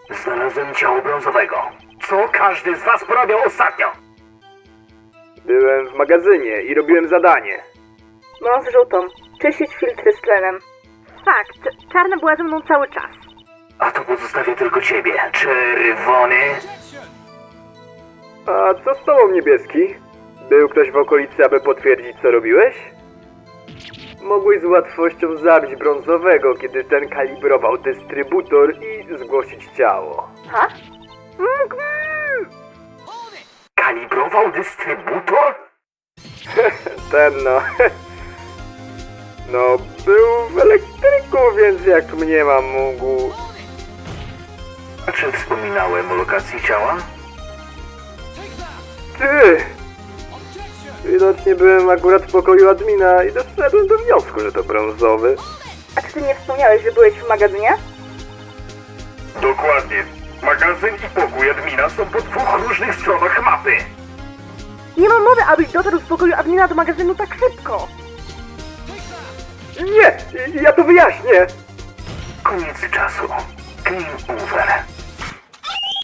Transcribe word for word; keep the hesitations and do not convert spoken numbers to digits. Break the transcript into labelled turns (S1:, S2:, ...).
S1: Znalazłem ciało brązowego. Co każdy z was porabiał ostatnio?
S2: Byłem w magazynie i robiłem zadanie.
S3: No, z żółtą. Czyścić filtry z tlenem. Fakt, czarna była ze mną cały czas.
S1: A to pozostawię tylko ciebie, czerwony.
S2: A co z tobą, niebieski? Był ktoś w okolicy, aby potwierdzić, co robiłeś? Mogłeś z łatwością zabić brązowego, kiedy ten kalibrował dystrybutor i zgłosić ciało.
S3: Ha? Mm,
S1: Kalibrował dystrybutor?
S2: Ten no... No, był w elektryku, więc jak mnie mam mógł...
S1: A czy wspominałem o lokacji ciała?
S2: Ty! Widocznie byłem akurat w pokoju admina i doszedłem do wniosku, że to brązowy.
S3: A czy ty nie wspomniałeś, że byłeś w magazynie?
S1: Dokładnie. Magazyn i pokój admina są po dwóch różnych stronach mapy.
S3: Nie ma mowy, abyś dotarł z pokoju admina do magazynu tak szybko.
S2: Nie! Ja to wyjaśnię!
S1: Koniec czasu. Game over.